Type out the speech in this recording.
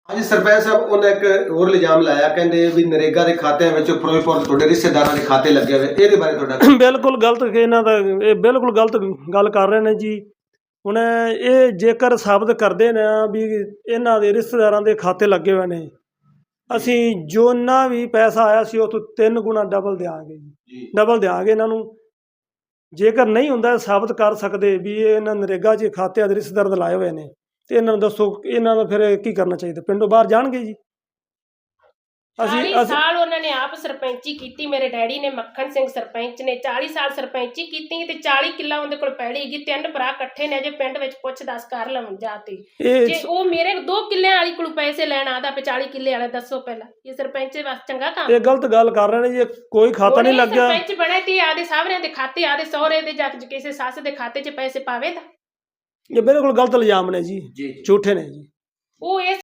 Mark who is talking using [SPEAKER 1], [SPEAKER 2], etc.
[SPEAKER 1] ਹਾਂਜੀ ਸਰਪੰਚ ਸਾਹਿਬ ਉਹਨੇ ਇੱਕ ਹੋਰ ਇਲਜ਼ਾਮ ਲਾਇਆ ਕਹਿੰਦੇ ਵੀ ਨਰੇਗਾ ਦੇ ਖਾਤਿਆਂ ਵਿੱਚ ਫਿਰੋਜ਼ਪੁਰ ਤੁਹਾਡੇ ਰਿਸ਼ਤੇਦਾਰਾਂ ਦੇ ਖਾਤੇ ਲੱਗੇ ਹੋਏ ਇਹਦੇ ਬਾਰੇ ਤੁਹਾਡਾ
[SPEAKER 2] ਬਿਲਕੁਲ ਗਲਤ ਇਹਨਾਂ ਦਾ ਇਹ ਬਿਲਕੁਲ ਗਲਤ ਗੱਲ ਕਰ ਰਹੇ ਨੇ ਜੀ। ਹੁਣ ਇਹ ਜੇਕਰ ਸਾਬਤ ਕਰਦੇ ਨੇ ਵੀ ਇਹਨਾਂ ਦੇ ਰਿਸ਼ਤੇਦਾਰਾਂ ਦੇ ਖਾਤੇ ਲੱਗੇ ਹੋਏ ਨੇ, ਅਸੀਂ ਜਿੰਨਾ ਵੀ ਪੈਸਾ ਆਇਆ ਸੀ ਉਹ ਤੋਂ 3 ਗੁਣਾ ਡਬਲ ਦਿਆਂਗੇ ਜੀ, ਡਬਲ ਦਿਆਂਗੇ ਇਹਨਾਂ ਨੂੰ। ਜੇਕਰ ਨਹੀਂ ਹੁੰਦਾ ਸਾਬਤ ਕਰ ਸਕਦੇ ਵੀ ਇਹ ਇਹਨਾਂ ਨਰੇਗਾ 'ਚ ਖਾਤਿਆਂ ਦੇ ਰਿਸ਼ਤੇਦਾਰ ਦੇ ਲਾਏ ਹੋਏ ਨੇ ਤੇ ਇਹਨਾਂ ਨੂੰ ਦੱਸੋ ਇਹਨਾਂ ਦਾ ਫਿਰ ਕੀ ਕਰਨਾ ਚਾਹੀਦਾ? ਪਿੰਡੋਂ ਬਾਹਰ ਜਾਣਗੇ ਜੀ।
[SPEAKER 3] 40 ਸਾਲ ਉਹਨਾਂ ਨੇ ਆਪ ਸਰਪੰਚੀ ਕੀਤੀ। ਮੇਰੇ ਡੈਡੀ ਨੇ ਮੱਖਣ ਸਿੰਘ ਸਰਪੰਚ ਨੇ 40 ਸਾਲ ਸਰਪੰਚੀ ਕੀਤੀ ਤੇ 40 ਕਿੱਲਾ ਉਹਦੇ ਕੋਲ ਪੈਲੀ ਹੈਗੀ। 3 ਭਰਾ ਇਕੱਠੇ ਨੇ, ਜੇ ਪਿੰਡ ਵਿੱਚ ਪੁੱਛ ਦੱਸ ਕਰ ਲਵਣ ਜਾ ਤੇ ਜੇ ਉਹ ਮੇਰੇ 2 ਕਿੱਲਿਆਂ ਵਾਲੀ ਕੋਲ ਪੈਸੇ ਲੈਣ ਆਦਾ ਪਏ 40 ਕਿੱਲੇ ਵਾਲੇ, ਦੱਸੋ ਪਹਿਲਾਂ ਇਹ ਸਰਪੰਚ ਵਾਸਤੇ ਚੰਗਾ ਕੰਮ?
[SPEAKER 2] ਇਹ ਗਲਤ ਗੱਲ ਕਰ ਰਹੇ ਨੇ ਜੀ। ਕੋਈ ਖਾਤਾ ਨਹੀਂ ਲੱਗਿਆ।
[SPEAKER 3] ਸਰਪੰਚ ਬਣੇ ਤੇ ਆਦੇ ਸਾਹਮਣੇ ਦੇ ਖਾਤੇ, ਆਦੇ ਸਹੁਰੇ ਦੇ ਜਾਂ ਕਿਸੇ ਸੱਸ ਦੇ ਖਾਤੇ 'ਚ ਪੈਸੇ ਪਾਵੇ ਤਾਂ
[SPEAKER 2] ਇਹ ਬਿਲਕੁਲ ਗਲਤ ਇਲਜ਼ਾਮ ਨੇ ਜੀ, ਝੂਠੇ ਨੇ ਜੀ।
[SPEAKER 3] ਉਹ ਇਸ